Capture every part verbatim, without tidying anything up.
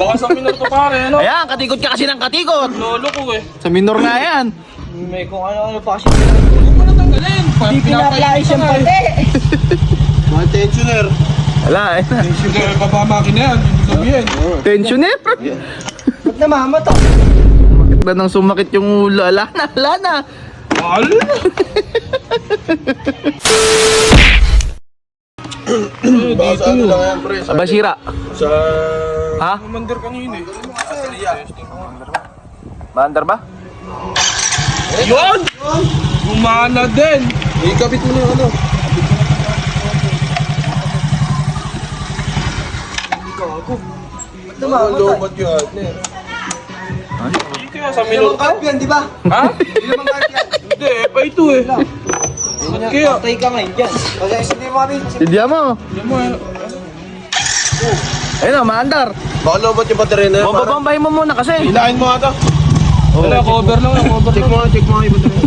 Baka sa minor to pare, ano? Ayan, katikot ka kasi ng katikot. Lolo ko eh. Sa minor nga yan. May kung ano-ano pa kasi. Huwag mo na tanggalin. Hindi pinapalay siyang pati. Mga tensioner. Wala eh. Sige, papamakin na yan. Hindi sabihin. Tensioner. Ba't namamato? Bakit ba nang sumakit yung ulo? Ala na, ala na. Mahal na. Baka sa ano lang yan, pre. Sa... Basira. sa... Ha? Commander kanina eh. Maandar ba? Yun! Gumana din. Ikabit mo na yung ano. Ba't Ano, namamatay? lobat yun. Hindi kaya sa Hindi minor naman to. carp yan, di ba? Ha? Hindi naman carp yan. Hindi, eh, pa ito eh. Ba't kaya? Patay ka ngayon dyan. Kasi hindi mo kami. Hindi mo. Hindi mo eh. Ayun o, maandar. Baka lobat yung baterya na yan. pare. Bababambahin mo muna kasi. Hinahin mo ata. Wala, cover lang lang, cover Check lang. mo nga, check mo nga yung baterya.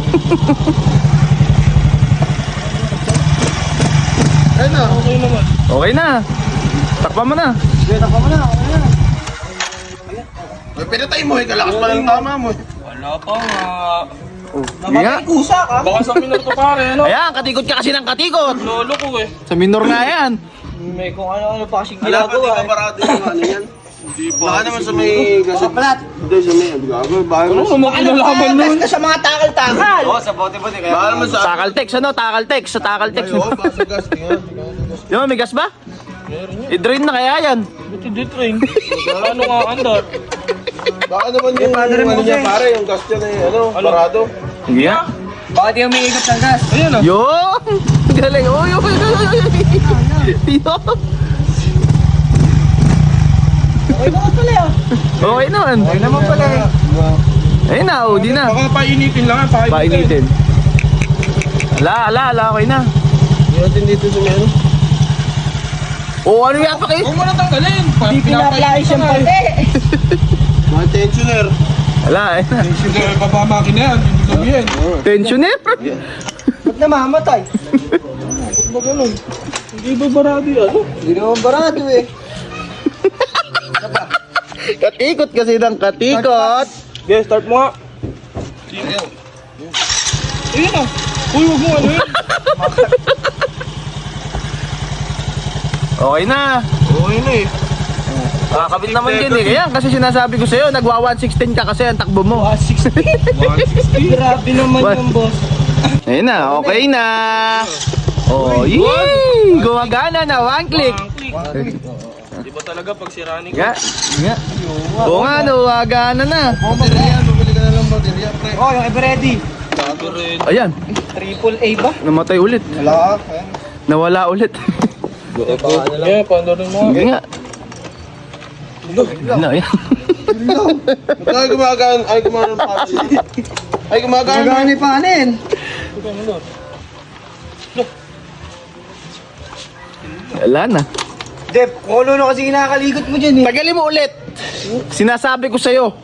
Ayun na. Okay naman. Okay na. Takpan mo na. Sige, takpa mo na. Okay na. Ay, pinatay mo eh. Kalakas pa lang tama mo eh. Wala pa nga. Sige nga. Namatay kusa ka. Baka sa minor to pare, ano? Ayan, katikot ka kasi ng katikot. Lolo ko eh. Sa minor nga yan. May kung ano-ano pa kasi Alam mo, di ginagawa. ba eh. parado yung ano yan? Hindi pa. Baka naman sa may... Kasi... Kapalat. Hindi, sa may... Gago, baka Ano naman sa... mo kinalaman nun? ka sa mga takal-takal. Oo, sa bote-bote. Baka naman sa... Takaltex, ano? Takaltex. Sa takaltex. Ay, oo, baka sa gas. Tingnan. Di ba, may gas ba? Meron yun. I-drain na kaya yan. Buti di train. Ano nga andar? Baka naman yung ano niya pare, yung gas niya na yung ano, parado. Hindi nga. Bakit di umiikot ng gas? Ayan ah. Yun! Galing! Uy! Uy! Uy! Uy! Yun! Okay naman pala yun. Okay naman. Okay naman pala eh. Ayun na, oh, di na. Baka painitin lang ah. Painitin. Ala, ala, ala, okay na. Hindi natin dito sa may ano. Oh, ano yan pa kayo? Huwag mo na tanggalin. Hindi pinapalay siyang pati. Mga tensioner. Ala, ayun na. Sige, papamakin na yan. Hindi sabihin. Tensioner. Ba't namamatay? Ba't ba ganun? Hindi ba barado yan? Hindi naman barado eh. Katikot kasi ng katikot. Okay, start mo nga. Ayun ah. Uy, huwag mo ano yun. Okay na. Okay na eh. Kakabit naman din eh. Kaya kasi sinasabi ko sa'yo, nag one sixteen ka kasi ang takbo mo. one sixty. Grabe naman What? yung boss. Ayun na, okay na. Oh, yee! Gumagana na, one click. One click. Di ba talaga pag sirani ka? Nga, nga. Oo nga, no, gumagana na. Baterya, bumili ka na lang baterya, pre. Oh, yung ever-ready. Ayan, Triple A ba? namatay ulit. Wala ka. Nawala ulit. Eh, paano rin mo? Sige nga. Ano, ayan. Ay, gumagaan. Ay, gumagaan pa. Ay, gumagaan. Gagawin ni panin. Wala na. Dep, kung ano kasi kinakaligot mo dyan eh. Tagalin mo ulit. Sinasabi ko sa'yo.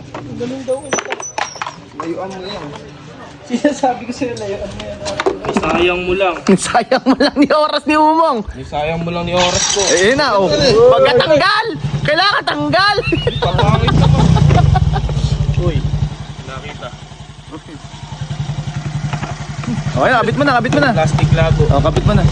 Layuan mo yan. Sinasabi ko sa'yo, layuan mo yan. Sayang mo lang. Sayang mo lang ni oras ni Umong. Sayang mo lang ni oras ko. Ayun na, oh. Pagkatanggal! Kailangan tanggal! Papangit ka pa. Uy, nakita. Okay na, kabit mo na, kabit mo na. Plastic lago. Oh, kabit mo na.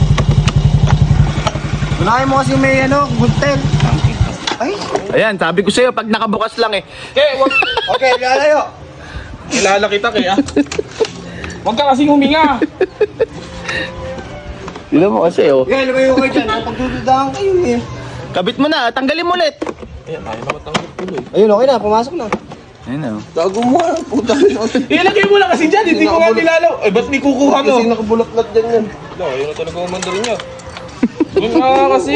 Unahin mo kasi may ano, guntel. Ay, Ayan, sabi ko sa'yo, pag nakabukas lang eh. Okay, wag. okay, lalayo. Kilala kita kaya. Huwag ka kasing huminga. Tignan mo kasi, oh. Okay, lumayo kayo dyan. Pagdududahan kayo eh. Kabit mo na, tanggalin mo ulit. Ayan, ayaw na matanggap tuloy. Ayun, okay na. Pumasok na. Ayun na, oh. Gago mo, ah. Puta. Ilagay mo lang kasi dyan, hindi ko nga nilalaw. Eh, ba't di kukuha mo? Kasi nakabulaklat dyan yan. No, ayaw na talaga umandar niya. Yun nga kasi.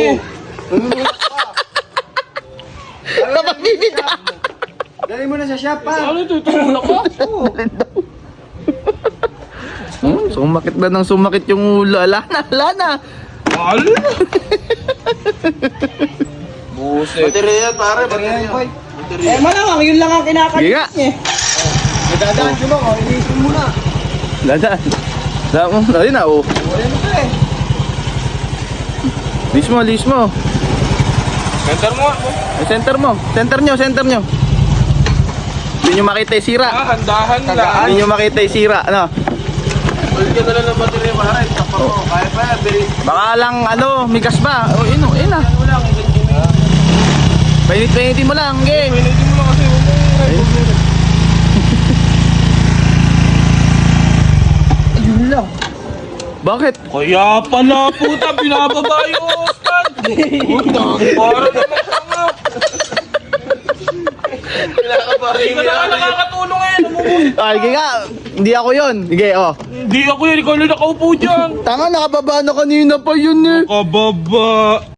Kapabibita! Dali mo na sa shop pa. Ano ito? Tumulak ka? Oo. Hmm, sumakit ba ng sumakit yung ulo? Ala na, ala na. Mahal na. Buset. Baterya yan, pare. Baterya. Ayan, boy. Eh, malamang, yun lang ang Sige kinakalit nga. niya. Nadadaan siya ba? O, inisin mo na. Dadaan. Dadaan mo, ayun na, oh. Wala na ito eh. Lis mo, lis mo. Center mo. Eh, center mo. Center nyo, center nyo. Hindi nyo makita yung sira. Ah, handahan lang. Hindi nyo makita yung sira. Ano? Balik ka na lang ng baterya para. Takpa mo. Kaya pa yan. Bilis. Baka lang ano, migas ba? O, yun o, yun ah. Ano lang. Painit-painitin mo lang, game. Pinitin mo lang kasi. Ayun lang. Bakit? Kaya pala puta, binababa yung stand. Puta, para naman tanga. Hindi ka na nga nakakatulong ngayon. Umuwi. Ay, sige nga. Hindi ako yun. Sige, oh. Hindi ako yun, ikaw lang nakaupo dyan. Tanga, nakababa na kanina pa yun eh. Kababa.